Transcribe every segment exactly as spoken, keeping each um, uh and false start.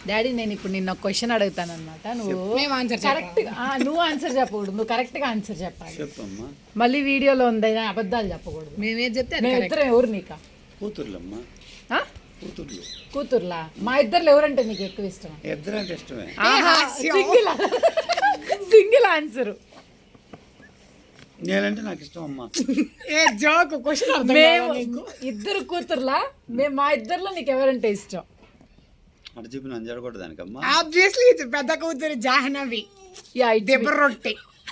Daddy నేను ఇప్పుడు నిన్న ఒక క్వశ్చన్ అడుగుతాను అనమాట నువ్వు కరెక్ట్ నువ్వు ఆన్సర్ చెప్పకూడదు నువ్వు కరెక్ట్ గా ఆన్సర్ చెప్పాలి మళ్ళీ వీడియోలో ఉందైనా అబద్ధాలు చెప్పకూడదు మేమేం చెప్తే మేమిద్దరం ఎవరు నీకా కూతుర్లమ్మా ఆ? కూతుర్లు కూతుర్లా మా ఇద్దరు ఎవరంటే నీకు ఎక్కువ ఇష్టం ఇద్దరు అంటే ఇష్టమే సింగిల్ సింగిల్ ఆన్సర్ నేనంటే నాకు ఇష్టం అమ్మా జోక్ క్వశ్చన్ మేము ఇద్దరు కూతుర్లా మేము మా ఇద్దరిలో నీకు ఎవరంటే ఇష్టం అటు చెప్పి నన్ను జరగకూడదు దానికమ్మా ఆబ్వియస్లీ పెద్ద కూతురు జాహ్నవి యా దెబ్బ రొట్టె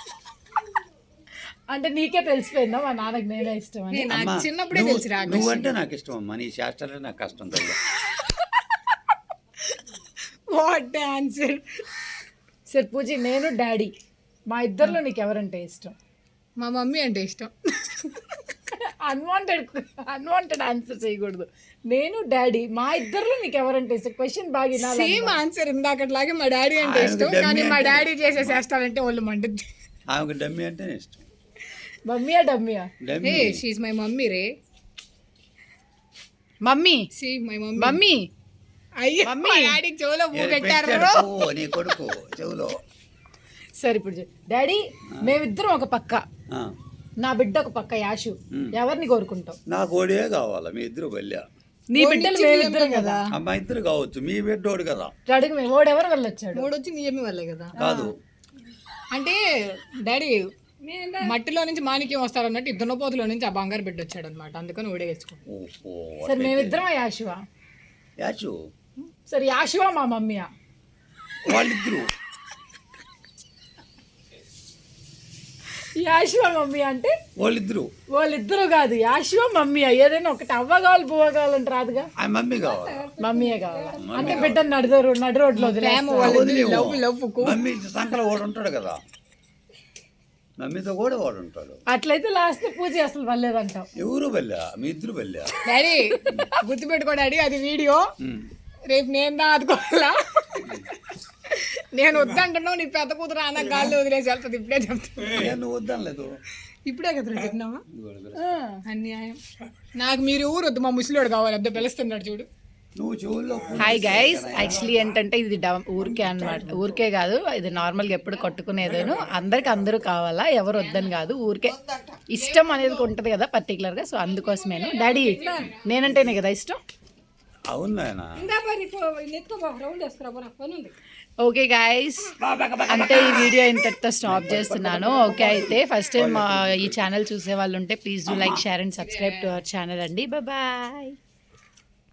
అంటే నీకే తెలిసిపోయిందా మా నాన్నకి నేనే ఇష్టం అని నాకు అమ్మా, చిన్నప్పుడే నువ్వు- తెలిసి రా నువ్వంటే నాకు ఇష్టం అమ్మా నీ శాస్త్రాలే నాకు కష్టం తల్లి వాట్ ఆన్సర్ సరే పూజి నేను డాడీ మా ఇద్దరిలో నీకు ఎవరంటే ఇష్టం మా మమ్మీ అంటే ఇష్టం అన్వాంటెడ్ అన్వాంటెడ్ ఆన్సర్ చేయకూడదు నేను డాడీ మా ఇద్దరిలో నీకు ఎవరంటే ఇష్టం క్వశ్చన్ బాగా వినాలి సేమ్ ఆన్సర్ ఇందాకట్లాగే మా డాడీ అంటే ఆయనకు ఇష్టం డమ్మీ కానీ మా అంటే- డాడీ చేసే చేస్తాడంటే వాళ్ళు మండుద్ది ఆమెకు డమ్మి అంటేనే ఇష్టం మమ్మీయా డమ్మీయా డమ్మి ఏ షీఈ్ మై మమ్మీ రే మమ్మీ షీ మై మమ్మీ మమ్మీ అయ్యో మమ్మీ. మా డాడీ చెవులో పూ ఏ, పెట్టారు పెట్టాడు పువ్వు, నీ కొడుకు చెవులో సరే ఇప్పుడు చెప్పు. డాడీ మేమిద్దరం ఒక పక్క ఆ, నా బిడ్డ ఒక పక్క యాషు ఎవరిని కోరుకుంటావు నాకు ఓడే కావాలా మీ ఇద్దరు బల్యా నీ బిడ్డలు మేమిద్దరం కదా అమ్మా ఇద్దరు కావచ్చు మీ బిడ్డోడు కదా అడుగు మేము ఓడెవరు వెళ్ళొచ్చాడు మూడు వచ్చి నీ అమ్మి వాళ్ళే కదా కాదు అంటే డాడీ మట్టిలో నుంచి మాణిక్యం వస్తారు అన్నట్టు ఇద్దరు పోతులో నుంచి ఆ బంగారు బిడ్డ వచ్చాడు అనమాట అందుకని ఓడేసుకుంటాం ఓహో సరే మేమిద్దరం యాషువా యాచు సరే యాషువా మా మమ్మీయా వాళ్ళిద్దరు యాషువా మమ్మీ అంటే వాళ్ళిద్దరు వాళ్ళిద్దరు కాదు యాషువా మమ్మీయా ఏదైనా ఒకటి అవ్వ కావాలి బువ్వ కావాలంటే రాదుగా ఆ మమ్మీ కావాలా మమ్మీయే కావాలా అంటే బిడ్డ నడు నడు రోడ్లో వదిలేస్తా. వదిలేవు. లవ్ లవ్ మమ్మీ సంకల వాడు ఉంటాడు కదా మమ్మీతో కూడా వాడు ఉంటాడు అట్లయితే లాస్ట్ పూజ అసలు వల్లేదంటావు ఎవరు బల్లా మీ ఇద్దరు బల్లా డాడీ గుర్తుపెట్టుకో డాడీ అది వీడియో రేపు నేను దా అదుకోవాలా నేను వద్దంటున్నావు నీ పెద్ద కూతురు అన్న గాల్లో వదిలేసి వెళ్తుంది ఇప్పుడే చెప్తున్నా నేను వద్దనలేదు ఇప్పుడే కదా చెప్పినావా అన్యాయం నాకు మీరు ఊరు వద్దు మా ముసలివాడు కావాలి అబ్బాయి పిలుస్తున్నాడు చూడు నువ్వు చెవుల్లో హాయ్ గైస్ యాక్చువల్లీ ఏంటంటే ఇది డ- ఊరికే అన్నమాట ఊరికే కాదు ఇది నార్మల్గా ఎప్పుడు కట్టుకునేదేను అందరికి అందరూ కావాలా ఎవరు వద్దని కాదు ఊరికే ఇష్టం అనేది ఉంటుంది కదా పర్టికులర్గా సో అందుకోసమేను డాడీ నేనంటేనే కదా ఇష్టం అవును నాయన ఓకే గాయస్ అంటే ఈ వీడియో ఇంతటితో స్టాప్ చేస్తున్నాను ఓకే అయితే ఫస్ట్ టైం ఈ ఛానల్ చూసే వాళ్ళు ఉంటే please do like share and subscribe to our channel అండి బాయ్